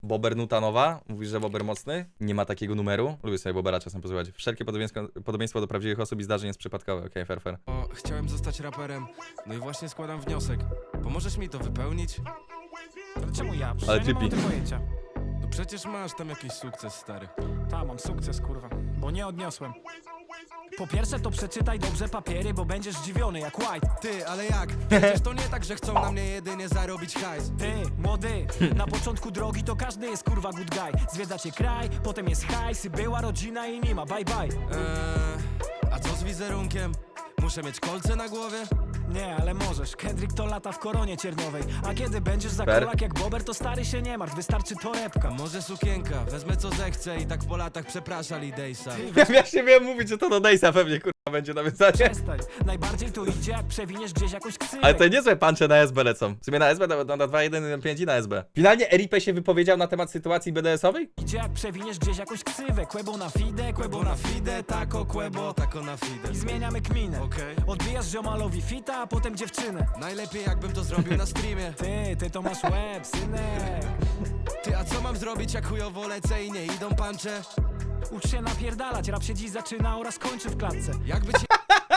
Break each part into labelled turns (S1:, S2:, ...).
S1: Bober nuta nowa. Mówisz, że Bober mocny? Nie ma takiego numeru. Lubię sobie Bobera czasem posłuchać. Wszelkie podobieństwo do prawdziwych osób i zdarzeń jest przypadkowe. Okej, fair.
S2: O, chciałem zostać raperem, no i właśnie składam wniosek. Pomożesz mi to wypełnić?
S3: Ale czemu ja? Przecież
S1: Ale
S3: ja nie mam o
S1: typi.
S3: tym pojęcia.
S2: No przecież masz tam jakiś sukces, stary.
S3: Ta, mam sukces, kurwa, bo nie odniosłem. Po pierwsze to przeczytaj dobrze papiery, bo będziesz zdziwiony jak White.
S2: Ty, ale jak? Przecież to nie tak, że chcą na mnie jedynie zarobić hajs.
S3: Ty, młody, na początku drogi to każdy jest kurwa good guy. Zwiedzacie kraj, potem jest hajs, była rodzina i nie ma, bye bye.
S2: A co z wizerunkiem? Muszę mieć kolce na głowie?
S3: Nie, ale możesz, Kendrick to lata w koronie cierniowej. A kiedy będziesz za
S1: Fair.
S3: kolak jak Bober, to stary się nie martw, wystarczy torebka.
S2: Może sukienka, wezmę co zechcę i tak po latach przepraszali Dejsa.
S1: Ja się wiem mówić, że to do Dejsa pewnie kurwa będzie nawiązanie.
S3: Przestań, najbardziej to idzie jak przewiniesz gdzieś jakąś ksywę.
S1: Ale to niezłe puncze na SB lecą. W sumie na SB, na 2.1.5 i na SB. Finalnie RIP się wypowiedział na temat sytuacji BDS-owej?
S3: Idzie jak przewiniesz gdzieś jakąś ksywę. Kłebo na fide, kłebo na fide, tako kłebo.
S2: tako na fide.
S3: I zmieniamy kminę.
S2: Okej.
S3: Odbijasz ziomalowi fita, a potem dziewczynę.
S2: Najlepiej jakbym to zrobił na streamie.
S3: Ty to masz łeb, synek.
S2: Ty, a co mam zrobić jak chujowo lecę i nie idą pancze?
S3: Ucz się napierdalać, rap się dziś zaczyna oraz kończy w klatce.
S2: Jakby cię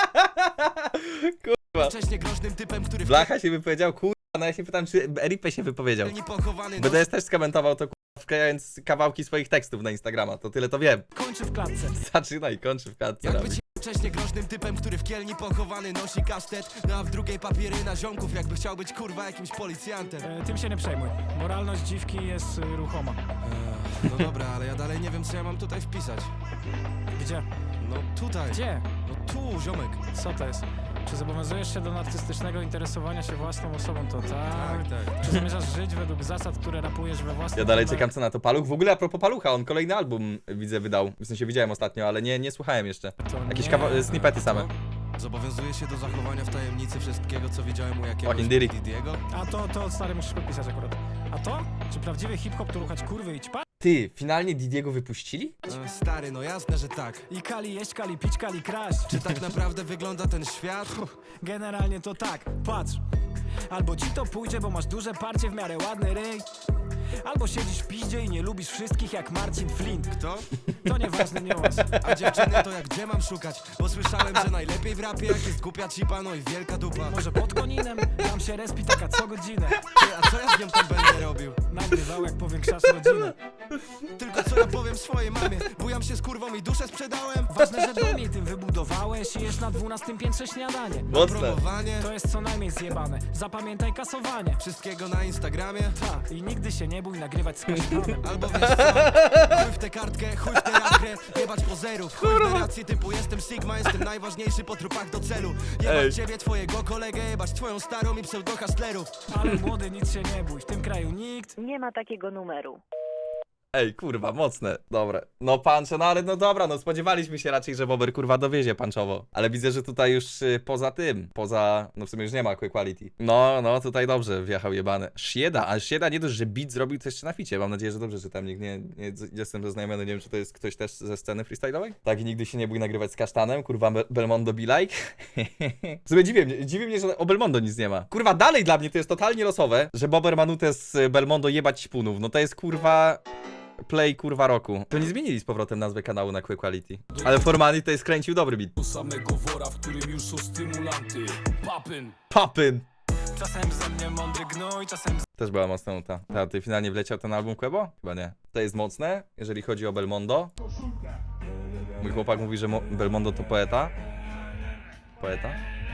S1: Kurwa.
S2: wcześniej groźnym typem, który
S1: Blacha się wypowiedział, kurwa, no ja się pytam, czy RIP się wypowiedział.
S2: nie pochowany
S1: BDS też skomentował to, kurwa, wklejając kawałki swoich tekstów na Instagrama, to tyle to wiem.
S3: Kończy w klatce.
S1: Zaczyna i kończy w klatce.
S2: Jakby
S1: robi.
S2: cię wcześniej groźnym typem, który w kielni pochowany nosi kasztet, no a w drugiej papiery na ziomków, jakby chciał być kurwa jakimś policjantem.
S3: Tym się nie przejmuj. Moralność dziwki jest ruchoma.
S2: No dobra, ale ja dalej nie wiem, co ja mam tutaj wpisać.
S3: Gdzie?
S2: No tutaj.
S3: Gdzie?
S2: No tu, ziomek.
S3: Co to jest? Czy zobowiązujesz się do narcystycznego interesowania się własną osobą? To tak.
S2: tak.
S3: Czy zamierzasz żyć według zasad, które rapujesz we własnym
S1: Ja dalej
S3: filmach?
S1: czekam co na to Paluch. W ogóle a propos Palucha, on kolejny album widzę wydał. W sensie widziałem ostatnio, ale nie słuchałem jeszcze.
S3: To
S1: Jakieś
S3: nie.
S1: snippety same.
S2: Zobowiązuję się do zachowania w tajemnicy wszystkiego, co widziałem u jakiegoś
S1: Fucking did it.
S2: Didiego.
S3: A to stary musisz podpisać akurat. A to? Czy prawdziwy hip-hop to ruchać kurwy i ćpa?
S1: Ty, finalnie Didiego wypuścili?
S2: Stary, no jasne, że tak.
S3: I kali jeść, kali pić, kali kraść.
S2: Czy tak naprawdę wygląda ten świat?
S3: Generalnie to tak, patrz. Albo ci to pójdzie, bo masz duże parcie, w miarę ładny ryj. Albo siedzisz w piździe i nie lubisz wszystkich jak Marcin Flint.
S2: Kto?
S3: To nieważny niuans.
S2: A dziewczyny to jak gdzie mam szukać? Bo słyszałem, że najlepiej w rapie jak jest głupia cipa, no i wielka dupa.
S3: Może pod koninem? Tam się respi taka co godzinę.
S2: Ty, a co ja z nią tam będę robił?
S3: Nagrywał jak powiększasz rodzinę.
S2: Tylko co ja powiem swojej mamie? Bujam się z kurwą i duszę sprzedałem?
S3: Ważne, że dom jej tym wybudowałeś i jesz na 12 piętrze śniadanie.
S1: Mocne.
S2: Promowanie?
S3: To jest co najmniej zjebane. Zapamiętaj kasowanie.
S2: Wszystkiego na Instagramie?
S3: Ta, i nigdy się nie bój nagrywać z kasztanem.
S2: Albo wiesz co? Chuj w tę kartkę, chuj w tę jakrę, jebać pozerów. Chuj w narrację typu jestem Sigma, jestem najważniejszy po trupach do celu.
S1: Ej.
S2: Jebać ciebie, twojego kolegę, jebać twoją starą i pseudo-hustlerów.
S3: Ale młody, nic się nie bój. W tym kraju nikt.
S4: Nie ma takiego numeru.
S1: Ej, kurwa, mocne. Dobre. No puncze, no ale no dobra, no spodziewaliśmy się raczej, że Bober kurwa dowiezie punchowo. Ale widzę, że tutaj już poza tym, no w sumie już nie ma quick quality. No, tutaj dobrze wjechał jebany. Shieda, a Shieda nie dość, że beat zrobił to jeszcze na ficie. Mam nadzieję, że dobrze czytam. Nikt nie jestem zaznajomiony, nie wiem, czy to jest ktoś też ze sceny freestyle'owej. Tak, i nigdy się nie bój nagrywać z kasztanem. Kurwa, Belmondo be like. W sumie dziwi mnie, że o Belmondo nic nie ma. Kurwa, dalej dla mnie to jest totalnie losowe, że Bober ma nutę z Belmondo jebać śpunów. No to jest kurwa... Play kurwa roku. To nie zmienili z powrotem nazwy kanału na Quick Quality. Ale Formani to jest kręcił dobry beat.
S5: Do samego wora, w którym już są stymulanty. Papyn!
S1: Papyn!
S3: Czasem ze mnie mądry gnój, czasem
S1: Też była mocna nuta. A ty finalnie wleciał ten album Quebo? Chyba nie. To jest mocne, jeżeli chodzi o Belmondo. Mój chłopak mówi, że Belmondo to poeta. Poeta?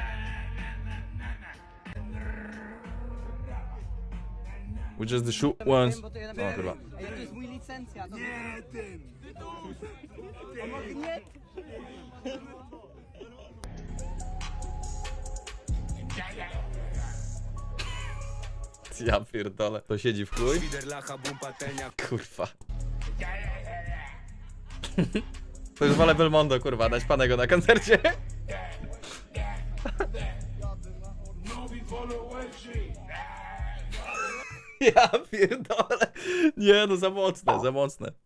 S1: We just the shoot once. O kurwa.
S6: To jest mój licencja. Nie tym! Nie!
S1: Ja pierdolę. To siedzi w chuj? Kurwa. To już wolę Belmondo, kurwa, dać panego na koncercie. Ja pierdolę. Nie no, za mocne, za mocne.